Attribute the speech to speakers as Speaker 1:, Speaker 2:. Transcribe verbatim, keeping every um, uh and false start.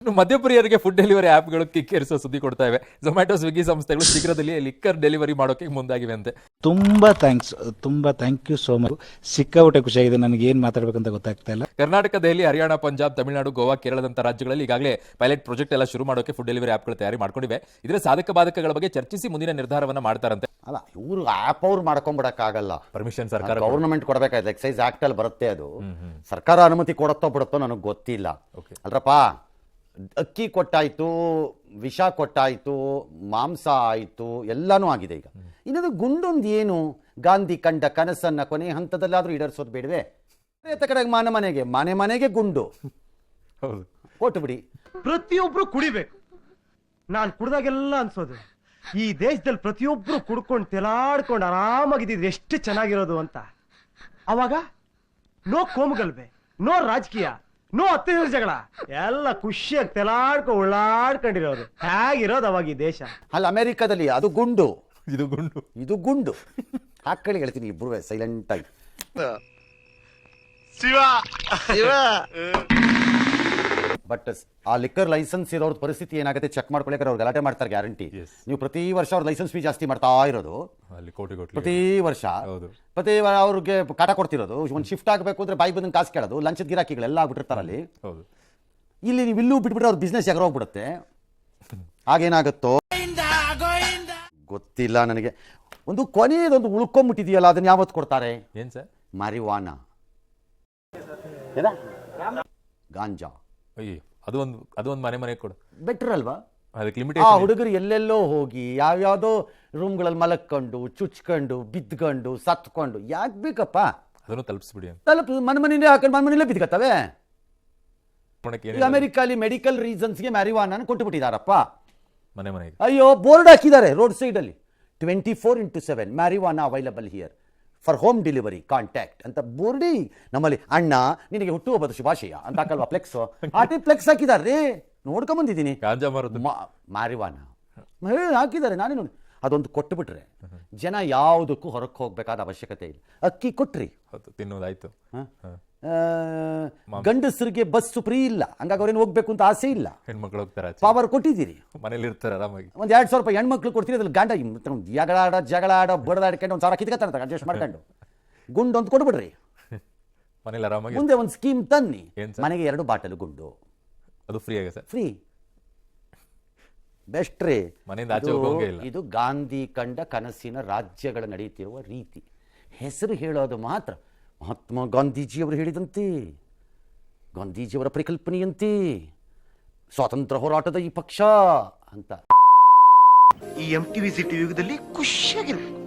Speaker 1: ಇನ್ನು ಮಧ್ಯಪ್ರಿಯರಿಗೆ food delivery ಆ್ಯಪ್ಗಳು ಕಿಕ್ಕೇರಿಸೋ ಸುದ್ದಿ ಕೊಡ್ತಾ ಇವೆ. ಝೊಮ್ಯಾಟೊ, ಸ್ವಿಗ್ಗಿ ಸಂಸ್ಥೆಗಳು ಶೀಘ್ರದಲ್ಲಿ ಲಿಕ್ಕರ್ ಡೆಲಿವರಿ ಮಾಡೋಕೆ ಮುಂದಾಗಿವೆ ಅಂತೆ.
Speaker 2: ತುಂಬ ಥ್ಯಾಂಕ್ಸ್, ತುಂಬ ಥ್ಯಾಂಕ್ ಯು ಸೋ ಮಚ್. ಸಿಕ್ಕಾಪಟ್ಟೆ ಖುಷಿಯಾಗಿದೆ. ನನಗೆ ಏನು ಮಾತಾಡಬೇಕಂತ ಗೊತ್ತಾಗ್ತಾ ಇಲ್ಲ.
Speaker 1: ಕರ್ನಾಟಕ, ದೆಹಲಿ, ಹರಿಯಾಣ, ಪಂಜಾಬ್, ತಮಿಳುನಾಡು, ಗೋವಾ, ಕೇರಳದಂತ ರಾಜ್ಯಗಳಲ್ಲಿ ಈಗಾಗಲೇ ಪೈಲಟ್ ಪ್ರಾಜೆಕ್ಟ್ ಎಲ್ಲ ಶುರು ಮಾಡೋಕೆ ಫುಡ್ ಡೆಲಿವರಿ ಆ್ಯಪ್ಗಳು ತಯಾರಿ ಮಾಡ್ಕೊಂಡಿವೆ. ಇದರ ಸಾಧಕ ಬಾಧಕಗಳ ಬಗ್ಗೆ ಚರ್ಚಿಸಿ ಮುಂದಿನ ನಿರ್ಧಾರವನ್ನ ಮಾಡ್ತಾರಂತೆ.
Speaker 3: ಅಲ್ಲ, ಇವರು ಆ್ಯಪ್ ಅವ್ರು ಮಾಡ್ಕೊಂಡ್ಬಿಡಕ್ಕಾಗಲ್ಲ.
Speaker 1: ಪರ್ಮಿಷನ್ ಸರ್ಕಾರ
Speaker 3: ಗೌರ್ಮೆಂಟ್ ಕೊಡಬೇಕಾಯ್ತು. ಎಕ್ಸೈಸ್ ಆಕ್ಟ್ ಅಲ್ಲಿ ಬರುತ್ತೆ ಅದು. ಸರ್ಕಾರ ಅನುಮತಿ ಕೊಡುತ್ತೋ ಬಿಡುತ್ತೋ ನನಗೆ ಗೊತ್ತಿಲ್ಲ. ಅಲ್ರಪ್ಪ, ಅಕ್ಕಿ ಕೊಟ್ಟಾಯ್ತು, ವಿಷ ಕೊಟ್ಟಾಯ್ತು, ಮಾಂಸ ಆಯ್ತು, ಎಲ್ಲಾನು ಆಗಿದೆ. ಈಗ ಇನ್ನೊಂದು ಗುಂಡೊಂದು ಏನು, ಗಾಂಧಿ ಕಂಡ ಕನಸನ್ನ ಕೊನೆ ಹಂತದಲ್ಲಾದ್ರೂ ಈಡೇರಿಸೋದು ಬೇಡವೆ? ಕಡೆಗೆ ಮನೆ ಮನೆಗೆ ಮನೆ ಮನೆಗೆ ಗುಂಡು ಕೊಟ್ಟು ಬಿಡಿ.
Speaker 4: ಪ್ರತಿಯೊಬ್ರು ಕುಡಿಬೇಕು. ನಾನು ಕುಡ್ದಾಗೆಲ್ಲ ಅನ್ಸೋದು, ಈ ದೇಶದಲ್ಲಿ ಪ್ರತಿಯೊಬ್ರು ಕುಡ್ಕೊಂಡು ತೆಲಾಡ್ಕೊಂಡು ಆರಾಮಾಗಿದ್ದಿದ್ರೆ ಎಷ್ಟು ಚೆನ್ನಾಗಿರೋದು ಅಂತ. ಅವಾಗ ನೋ ಕೋಮುಗಲ್ಬೆ, ನೋ ರಾಜಕೀಯ, ನೋ ಅತ್ತೆಯ ಜಗಳ, ಎಲ್ಲ ಖುಷಿಯಾಗಿ ತೆಲಾಡ್ಕೊ ಉಳ್ಳಾಡ್ಕೊಂಡಿರೋದು. ಹೇಗಿರೋದು ಅವಾಗ ಈ ದೇಶ?
Speaker 3: ಅಲ್ಲಿ ಅಮೆರಿಕದಲ್ಲಿ ಅದು ಗುಂಡು,
Speaker 1: ಇದು ಗುಂಡು,
Speaker 3: ಇದು ಗುಂಡು. ಹಾಕಳಿ ಹೇಳ್ತೀನಿ ಇಬ್ರು ಸೈಲೆಂಟ್ ಆಗಿ. ಬಟ್ ಆ ಲಿಕ್ಕರ್ ಲೈಸೆನ್ಸ್ ಇರೋರ್ ಪರಿಸ್ಥಿತಿ ಏನಾಗುತ್ತೆ ಚೆಕ್ ಮಾಡ್ಕೊಳ್ಳಿ. ಅವ್ರು ಗಲಾಟೆ ಮಾಡ್ತಾರೆ ಗ್ಯಾರಂಟಿ. ನೀವು ಪ್ರತಿ ವರ್ಷ ಅವ್ರ ಲೈಸೆನ್ಸ್ ಫೀ ಜಾಸ್ತಿ ಮಾಡ್ತಾ ಇರೋದು, ಪ್ರತಿ ವರ್ಷ ಪ್ರತಿ ಅವ್ರಿಗೆ ಕಾಟ ಕೊಡ್ತಿರೋದು. ಒಂದು ಶಿಫ್ಟ್ ಆಗಬೇಕು ಅಂದ್ರೆ ಬಾಯಿ ಬಂದಂಗೆ ಕಾಸು ಕೇಳೋದು, ಲಂಚದ ಗಿರಾಕಿಗಳೆಲ್ಲ ಆಗ್ಬಿಟ್ಟಿರ್ತಾರೆ ಅಲ್ಲಿ. ಇಲ್ಲಿ ನೀವು ಇಲ್ಲೂ ಬಿಟ್ಬಿಟ್ರೆ ಅವ್ರ ಬಿಸ್ನೆಸ್ ಎಗರ ಹೋಗ್ಬಿಡುತ್ತೆ. ಆಗೇನಾಗುತ್ತೋ ಗೊತ್ತಿಲ್ಲ ನನಗೆ. ಒಂದು ಕೊನೆಯದೊಂದು ಉಳ್ಕೊಂಬಿಟ್ಟಿದೆಯಲ್ಲ, ಅದನ್ನ ಯಾವತ್ತು ಕೊಡ್ತಾರೆ?
Speaker 1: ಏನ್ ಸರ್?
Speaker 3: ಮಾರಿವಾನ, ಗಾಂಜಾ.
Speaker 1: ಅಯ್ಯೋ, ಅದು ಒಂದು ಅದು ಒಂದು ಮನೆ ಮನೆಗೆ ಕೊಡು.
Speaker 3: ಬೆಟರ್ ಅಲ್ವಾ?
Speaker 1: ಅದಕ್ಕೆ
Speaker 3: ಆ
Speaker 1: ಲಿಮಿಟೇಷನ್.
Speaker 3: ಹುಡುಗರು ಎಲ್ಲೆಲ್ಲೋ ಹೋಗಿ ಯಾವ್ಯಾವುದೋ ರೂಮ್ಗಳಲ್ಲಿ ಮಲಕ್ಕೊಂಡು, ಚುಚ್ಕೊಂಡು, ಬಿದ್ಕೊಂಡು, ಸತ್ಕೊಂಡು ಯಾಕೆ ಬೇಕಪ್ಪ?
Speaker 1: ಅದನ್ನು ತಲುಪಿಸ್ಬಿಡಿ ಅಂತ
Speaker 3: ತಲುಪ ಮನೆ ಮನೆಯಲ್ಲೇ ಹಾಕೊಂಡು ಮನೆ ಮನೆಯಲ್ಲೇ ಬಿದ್ಕತ್ತವೆ. ಈಗ ಅಮೆರಿಕಲ್ಲಿ ಮೆಡಿಕಲ್ ರೀಸನ್ಸ್ಗೆ ಮ್ಯಾರಿವಾನ ಕೊಟ್ಟು ಬಿಟ್ಟಿದಾರಪ್ಪ
Speaker 1: ಮನೆ ಮನೆಗೆ.
Speaker 3: ಅಯ್ಯೋ, ಬೋರ್ಡ್ ಹಾಕಿದ್ದಾರೆ ರೋಡ್ ಸೈಡ್ ಅಲ್ಲಿ, twenty four into seven marijuana available here for home delivery contact ಅಂತ ಬೋರ್ಡಿ. ನಮ್ಮಲ್ಲಿ ಅಣ್ಣ ನಿನಗೆ ಹುಟ್ಟುಹಬ್ಬದ ಶುಭಾಶಯ ಅಂತ ಹಾಕಲ್ವಾ ಫ್ಲೆಕ್ಸ್, ಆ ಟೈಪ್ ಫ್ಲೆಕ್ಸ್ ಹಾಕಿದಾರೆ. ನೋಡ್ಕೊಂಡ್ ಬಂದಿದ್ದೀನಿ.
Speaker 1: ಗಾಂಜಾ ಮಾರೋದು
Speaker 3: ಮಾರಿವಾನ ಹಾಕಿದ್ದಾರೆ, ನಾನೇ ನೋಡಿ. ಅದೊಂದು ಕೊಟ್ಟು ಬಿಟ್ರೆ ಜನ ಯಾವುದಕ್ಕೂ ಹೊರಕ್ಕೆ ಹೋಗ್ಬೇಕಾದ ಅವಶ್ಯಕತೆ ಇಲ್ಲ. ಅಕ್ಕಿ ಕೊಟ್ರಿ,
Speaker 1: ತಿನ್ನೋದಾಯ್ತು.
Speaker 3: ಗಂಡಸರಿಗೆ ಬಸ್ ಫ್ರೀ ಇಲ್ಲ, ಹಂಗಾಗಿ ಅವ್ರೇನು ಹೋಗ್ಬೇಕು ಅಂತ ಆಸೆ ಇಲ್ಲ.
Speaker 1: ಹೆಣ್ಮಕ್ಳು ಹೋಗ್ತಾರೆ,
Speaker 3: ಪವರ್ ಕೊಟ್ಟಿದ್ದೀರಿ,
Speaker 1: ಮನೇಲಿ ಇರ್ತಾರೆ ಆರಾಮಾಗಿ.
Speaker 3: ಒಂದ್ ಎರಡ್ ಸಾವಿರ ರೂಪಾಯಿ ಹೆಣ್ಮಕ್ಳು ಕೊಡ್ತೀರಿ. ಅದ್ರಲ್ಲಿ ಗಂಡ ಜಗಳ ಆಡೋ ಜಗಳ ಆಡೋ ಬಡದಾಡ್ಕೊಂಡು ಒಂದ್ ಸಾವಿರ ಕಿತ್ಕತ್ತಾರ ಅಡ್ಜಸ್ಟ್ ಮಾಡ್ಕೊಂಡು ಗುಂಡು ಅಂತ ಕೊಡ್ಬಿಡ್ರಿ.
Speaker 1: ಮನೇಲಿ ಆರಾಮಾಗಿ.
Speaker 3: ಮುಂದೆ ಒಂದು ಸ್ಕೀಮ್ ತನ್ನಿ, ಮನೆಗೆ ಎರಡು ಬಾಟಲ್ ಗುಂಡು,
Speaker 1: ಅದು ಫ್ರೀ ಆಗ ಸರ್.
Speaker 3: ಫ್ರೀ ಬೆಸ್ಟ್ ರೀ.
Speaker 1: ಮನೆಯಿಂದ ಆಚೆ ಹೋಗೋಂಗೆ ಇಲ್ಲ.
Speaker 3: ಇದು ಗಾಂಧಿ ಕಂಡ ಕನಸಿನ ರಾಜ್ಯಗಳ ನಡೆಯುತ್ತಿರುವ ರೀತಿ. ಹೆಸರು ಹೇಳೋದು ಮಾತ್ರ. ಮಹಾತ್ಮ ಗಾಂಧೀಜಿಯವರು ಹೇಳಿದಂತೆ, ಗಾಂಧೀಜಿಯವರ ಪರಿಕಲ್ಪನೆಯಂತೆ ಸ್ವಾತಂತ್ರ್ಯ ಹೋರಾಟದ ಈ ಪಕ್ಷ ಅಂತ.
Speaker 4: ಈ ಎಂ ಟಿವಿ ಸಿಟಿ ಯುಗದಲ್ಲಿ ಖುಷಿಯಾಗಿರ್ಬೇಕು.